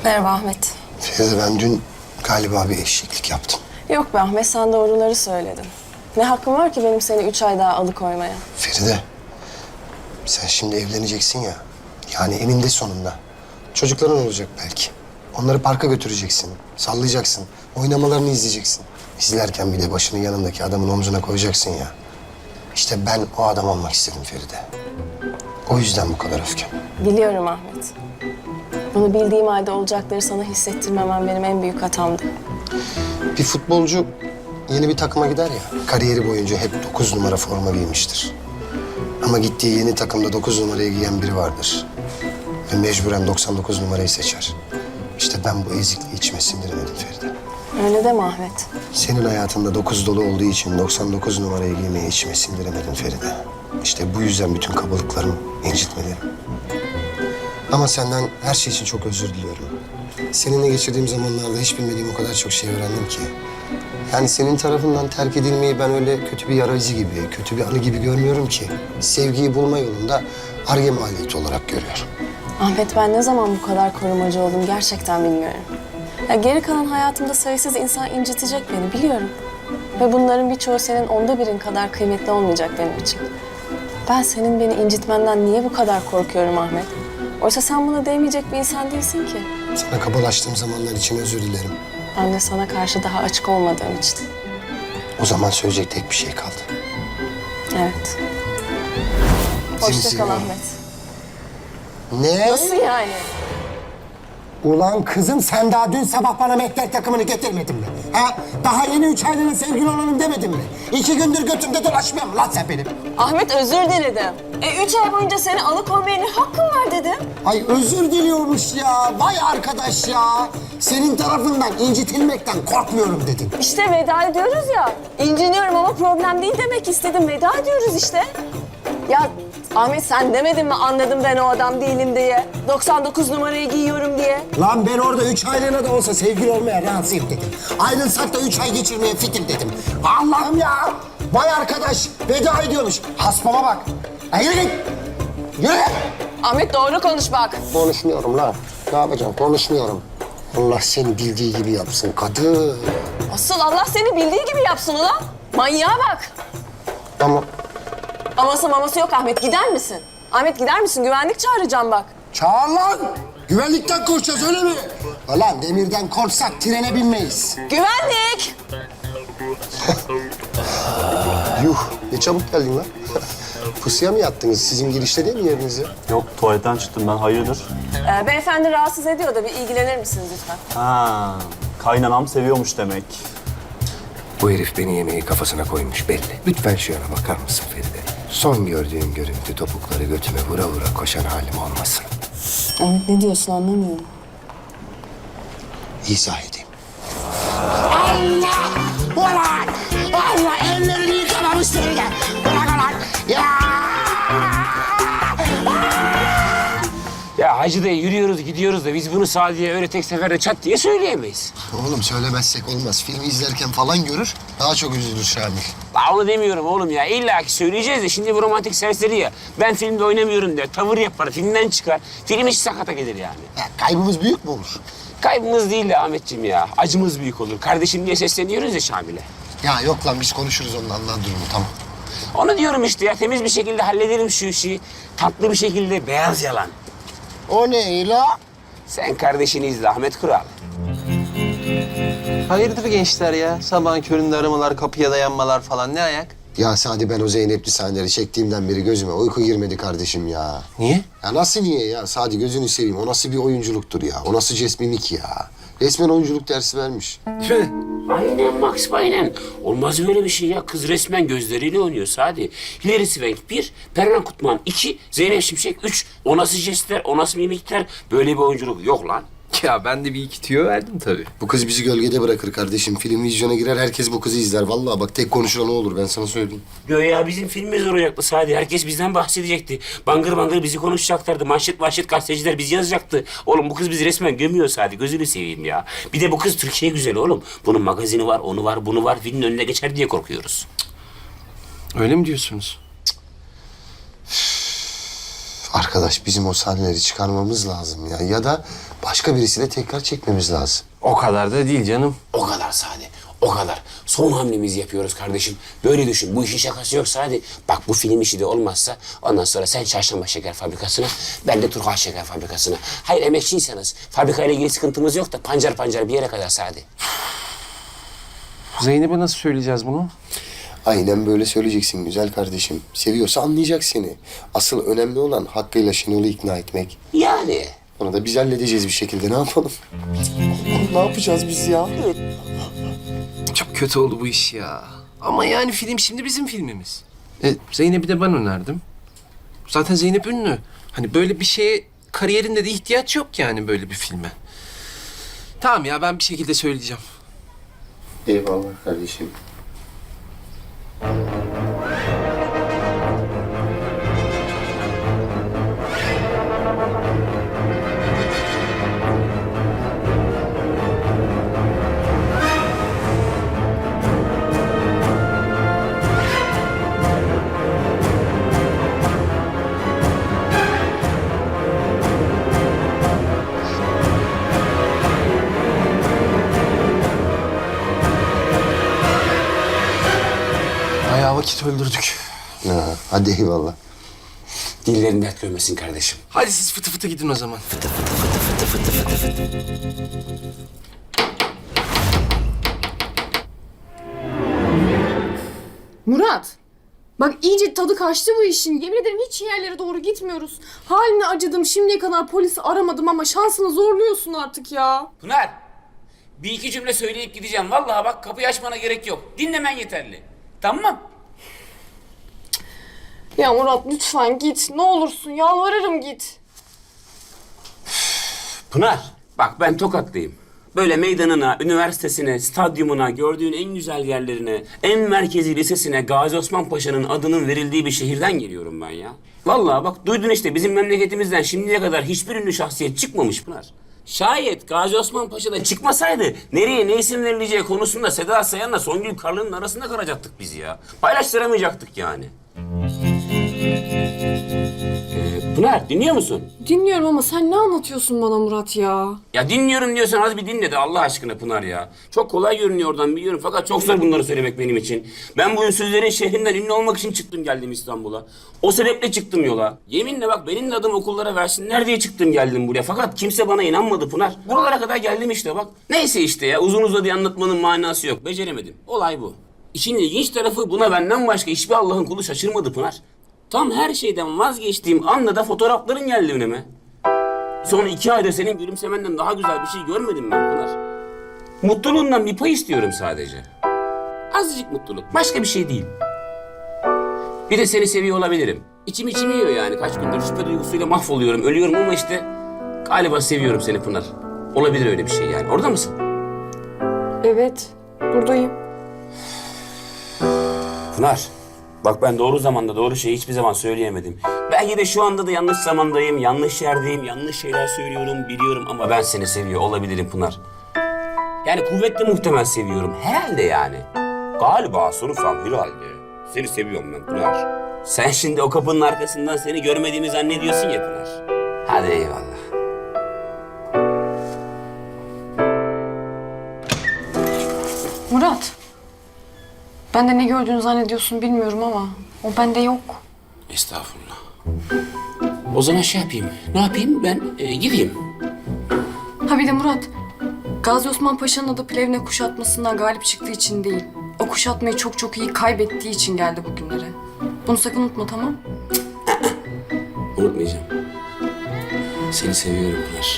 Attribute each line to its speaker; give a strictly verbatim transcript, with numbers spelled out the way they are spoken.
Speaker 1: Merhaba Ahmet.
Speaker 2: Feride, ben dün galiba bir eşeklik yaptım.
Speaker 1: Yok be Ahmet, sen doğruları söyledin. Ne hakkım var ki benim seni üç ay daha alıkoymaya?
Speaker 2: Feride, sen şimdi evleneceksin ya. Yani eninde sonunda. Çocukların olacak belki. Onları parka götüreceksin, sallayacaksın, oynamalarını izleyeceksin. İzlerken bir de başını yanındaki adamın omzuna koyacaksın ya. İşte ben o adam olmak istedim Feride. O yüzden bu kadar öfkem.
Speaker 1: Biliyorum Ahmet. Bunu bildiğim halde olacakları sana hissettirmemem benim en büyük hatamdı.
Speaker 2: Bir futbolcu yeni bir takıma gider ya, kariyeri boyunca hep dokuz numara forma giymiştir. Ama gittiği yeni takımda dokuz numarayı giyen biri vardır. Ve mecburen doksan dokuz numarayı seçer. İşte ben bu ezikliği içime sindiremedim Feride.
Speaker 1: Öyle deme Ahmet.
Speaker 2: Senin hayatında dokuz dolu olduğu için doksan dokuz numarayı giymeyi içime sindiremedim Feride. İşte bu yüzden bütün kabalıklarım, incitmelerim. Ama senden her şey için çok özür diliyorum. Seninle geçirdiğim zamanlarda hiç bilmediğim o kadar çok şey öğrendim ki. Yani senin tarafından terk edilmeyi ben öyle kötü bir yara izi gibi, kötü bir anı gibi görmüyorum ki. Sevgiyi bulma yolunda Ar-Ge maliyeti olarak görüyorum.
Speaker 1: Ahmet, ben ne zaman bu kadar korumacı oldum gerçekten bilmiyorum. Ya geri kalan hayatımda sayısız insan incitecek beni, biliyorum. Ve bunların birçoğu senin onda birin kadar kıymetli olmayacak benim için. Ben senin beni incitmenden niye bu kadar korkuyorum Ahmet? Oysa sen buna değmeyecek bir insan değilsin ki.
Speaker 2: Sana kabalaştığım zamanlar için özür dilerim.
Speaker 1: Ben de sana karşı daha açık olmadığım için.
Speaker 2: O zaman söyleyecek tek bir şey kaldı.
Speaker 1: Evet.
Speaker 2: Seni
Speaker 1: Hoşça kal
Speaker 2: seviyorum.
Speaker 1: Ahmet.
Speaker 2: Ne?
Speaker 1: Nasıl yani?
Speaker 3: Ulan kızım, sen daha dün sabah bana mehter takımını getirmedin mi? Ha? Daha yeni üç aylığına sevgili olalım demedin mi? İki gündür götümde dolaşmıyor mu lan sen benim?
Speaker 1: Ahmet, özür diledim. E üç ay boyunca seni alıkoymaya ne hakkım var dedim.
Speaker 3: Ay özür diliyormuş ya. Vay arkadaş ya. Senin tarafından incitilmekten korkmuyorum dedin.
Speaker 1: İşte veda ediyoruz ya. İnciniyorum ama problem değil demek istedim. Veda ediyoruz işte. Ya Ahmet, sen demedin mi anladım ben o adam değilim diye. doksan dokuz numarayı giyiyorum diye.
Speaker 3: Lan ben orada üç aylığına da olsa sevgili olmaya razıyım dedim. Ayrılsak da üç ay geçirmeye fitim dedim. Allah'ım ya. Vay arkadaş, veda ediyormuş. Haspama bak. Ya yürü git. Yürü git.
Speaker 1: Ahmet, doğru konuş bak.
Speaker 2: Konuşmuyorum lan. Ne yapacağım? Konuşmuyorum. Allah seni bildiği gibi yapsın kadın.
Speaker 1: Asıl Allah seni bildiği gibi yapsın ulan. Manyağa bak.
Speaker 2: Ama
Speaker 1: Aması maması yok Ahmet, gider misin? Ahmet, gider misin? Güvenlik çağıracağım bak.
Speaker 3: Çağır lan. Güvenlikten korkacağız öyle mi? Ulan demirden korksak trene binmeyiz.
Speaker 1: Güvenlik!
Speaker 2: yuh, ne çabuk geldin lan. Pusuya mı yattınız? Sizin girişte değil mi yeriniz ya?
Speaker 4: Yok, tuvaletten çıktım ben. Hayırdır?
Speaker 1: Ee, beyefendi rahatsız ediyor da bir ilgilenir misiniz lütfen?
Speaker 4: Ha, kaynanam seviyormuş demek.
Speaker 2: Bu herif beni yemeği kafasına koymuş belli. Lütfen şu yana bakar mısın Feride? Son gördüğüm görüntü topukları götüme vura vura koşan halim olmasın.
Speaker 1: Ahmet, ne diyorsun anlamıyorum.
Speaker 2: İzah edeyim.
Speaker 3: Allah! Ulan! Allah ellerini yıkamamış seni de. Bırak ulan! Ya!
Speaker 5: Ya Hacı dayı, yürüyoruz gidiyoruz da biz bunu Sadiye öyle tek seferde çat diye söyleyemeyiz.
Speaker 2: Oğlum söylemezsek olmaz. Filmi izlerken falan görür, daha çok üzülür Şamil.
Speaker 5: La onu demiyorum oğlum ya. İlla ki söyleyeceğiz de şimdi bu romantik serseri ya. Ben filmde oynamıyorum der, tavır yapar, filmden çıkar. Film hiç sakata gelir yani.
Speaker 2: Ya, kaybımız büyük mü olur?
Speaker 5: Kaybımız değil de Ahmetciğim ya. Acımız büyük olur. Kardeşim diye sesleniyoruz ya Şamil'e.
Speaker 2: Ya yok lan, biz konuşuruz onunla, anlar durumu, tamam.
Speaker 5: Onu diyorum işte ya. Temiz bir şekilde hallederim şu işi. Tatlı bir şekilde beyaz yalan.
Speaker 2: O ne la?
Speaker 5: Sen kardeşini izle Ahmet Kural.
Speaker 6: Hayırdır gençler ya? Sabahın köründe aramalar, kapıya dayanmalar falan. Ne ayak?
Speaker 2: Ya Sadi, ben o Zeynep'li sahneleri çektiğimden beri gözüme uyku girmedi kardeşim ya.
Speaker 6: Niye?
Speaker 2: Ya nasıl niye ya? Sadi, gözünü seveyim. O nasıl bir oyunculuktur ya? O nasıl jest mimik ya? Resmen oyunculuk dersi vermiş.
Speaker 5: Aynen Max, aynen. Olmaz böyle bir şey ya. Kız resmen gözleriyle oynuyor Sadi. Hilary Swank bir, Perran Kutman iki, Zeynep Şimşek üç. O nasıl jestler, o nasıl mimikler? Böyle bir oyunculuk yok lan.
Speaker 7: Ya ben de bir iki tüyo verdim tabii.
Speaker 2: Bu kız bizi gölgede bırakır kardeşim. Film vizyona girer, herkes bu kızı izler. Vallahi bak, tek konuşulan o olur, ben sana söyleyeyim.
Speaker 5: Göya bizim filmimiz olacaktı Sadi. Herkes bizden bahsedecekti. Bangır bangır bizi konuşacaklardı. Manşet manşet gazeteciler bizi yazacaktı. Oğlum bu kız bizi resmen gömüyor Sadi. Gözünü seveyim ya. Bir de bu kız Türkiye güzeli oğlum. Bunun magazini var, onu var, bunu var. Filmin önüne geçer diye korkuyoruz.
Speaker 7: Öyle mi diyorsunuz?
Speaker 2: Arkadaş bizim o sahneleri çıkarmamız lazım ya. Ya da başka birisiyle tekrar çekmemiz lazım.
Speaker 6: O kadar da değil canım.
Speaker 5: O kadar Sadi. O kadar. Son hamlemizi yapıyoruz kardeşim. Böyle düşün. Bu işin şakası yok Sadi. Bak bu film işi de olmazsa ondan sonra sen Çarşamba Şeker Fabrikası'na, ben de Turhal Şeker Fabrikası'na. Hayır emekçiyseniz fabrikayla ilgili sıkıntımız yok da pancar pancar bir yere kadar Sadi.
Speaker 6: Zeynep'e nasıl söyleyeceğiz bunu?
Speaker 2: Aynen böyle söyleyeceksin güzel kardeşim. Seviyorsa anlayacak seni. Asıl önemli olan hakkıyla Şenol'u ikna etmek.
Speaker 5: Yani.
Speaker 2: Onu da biz halledeceğiz bir şekilde. Ne yapalım? Ne yapacağız biz ya?
Speaker 6: Çok kötü oldu bu iş ya. Ama yani film şimdi bizim filmimiz. E, Zeynep'i de ben önerdim. Zaten Zeynep ünlü. Hani böyle bir şeye kariyerinde de ihtiyaç yok yani böyle bir filme. Tamam ya ben bir şekilde söyleyeceğim.
Speaker 2: Eyvallah kardeşim.
Speaker 6: Bayağı vakit öldürdük.
Speaker 2: Ha, hadi eyvallah.
Speaker 5: Dillerin dert görmesin kardeşim.
Speaker 6: Hadi siz fıtı fıtı gidin o zaman.
Speaker 8: Murat, bak iyice tadı kaçtı bu işin. Yemin ederim hiç iyi yerlere doğru gitmiyoruz. Haline acıdım, şimdiye kadar polisi aramadım ama şansını zorluyorsun artık ya.
Speaker 5: Pınar, bir iki cümle söyleyip gideceğim. Vallahi bak kapıyı açmana gerek yok. Dinlemen yeterli. Tamam.
Speaker 8: Ya Murat lütfen git, ne olursun yalvarırım git.
Speaker 5: Pınar, bak ben Tokatlıyım. Böyle meydanına, üniversitesine, stadyumuna, gördüğün en güzel yerlerine, en merkezi lisesine Gazi Osman Paşa'nın adının verildiği bir şehirden geliyorum ben ya. Vallahi bak duydun işte bizim memleketimizden şimdiye kadar hiçbir ünlü şahsiyet çıkmamış Pınar. Şayet Gazi Osman Paşa'da çıkmasaydı nereye ne isim verileceği konusunda Seda Sayan'la Songül Karlı'nın arasında kalacaktık biz ya. Paylaştıramayacaktık yani. Ee, Pınar dinliyor musun?
Speaker 8: Dinliyorum ama sen ne anlatıyorsun bana Murat ya?
Speaker 5: Ya dinliyorum diyorsan az bir dinle de Allah aşkına Pınar ya. Çok kolay görünüyor oradan biliyorum fakat çok zor bunları söylemek benim için. Ben bu ünsüzlerin şehrinden ünlü olmak için çıktım geldim İstanbul'a. O sebeple çıktım yola. Yeminle bak benim de adım okullara versinler diye çıktım geldim buraya. Fakat kimse bana inanmadı Pınar. Buralara kadar geldim işte bak. Neyse işte ya uzun uzadıya anlatmanın manası yok. Beceremedim. Olay bu. İşin ilginç tarafı buna benden başka hiçbir Allah'ın kulu şaşırmadı Pınar. Tam her şeyden vazgeçtiğim anda da fotoğrafların geldi önüme. Son iki ayda senin gülümsemenden daha güzel bir şey görmedim ben Pınar. Mutluluğundan bir pay istiyorum sadece. Azıcık mutluluk. Başka bir şey değil. Bir de seni seviyor olabilirim. İçim içim yiyor yani. Kaç gündür şüphe duygusuyla mahvoluyorum. Ölüyorum ama işte galiba seviyorum seni Pınar. Olabilir öyle bir şey yani. Orada mısın?
Speaker 8: Evet, buradayım.
Speaker 5: Pınar. Bak ben doğru zamanda doğru şeyi hiçbir zaman söyleyemedim. Belki de şu anda da yanlış zamandayım, yanlış yerdeyim, yanlış şeyler söylüyorum, biliyorum ama ben seni seviyor olabilirim Pınar. Yani kuvvetle muhtemel seviyorum. Herhalde yani. Galiba sorursam herhalde. Seni seviyorum ben Pınar. Sen şimdi o kapının arkasından seni görmediğimi zannediyorsun ya Pınar. Hadi eyvallah.
Speaker 8: Murat, ben de ne gördüğünü zannediyorsun bilmiyorum ama o bende yok.
Speaker 5: Estağfurullah. O zaman şey yapayım. Ne yapayım? Ben e, gideyim.
Speaker 8: Ha bir de Murat, Gazi Osman Paşa'nın adı Plevne kuşatmasından galip çıktığı için değil. O kuşatmayı çok çok iyi kaybettiği için geldi bugünlere. Bunu sakın unutma, tamam?
Speaker 5: Unutmayacağım. Seni seviyorum Pınar.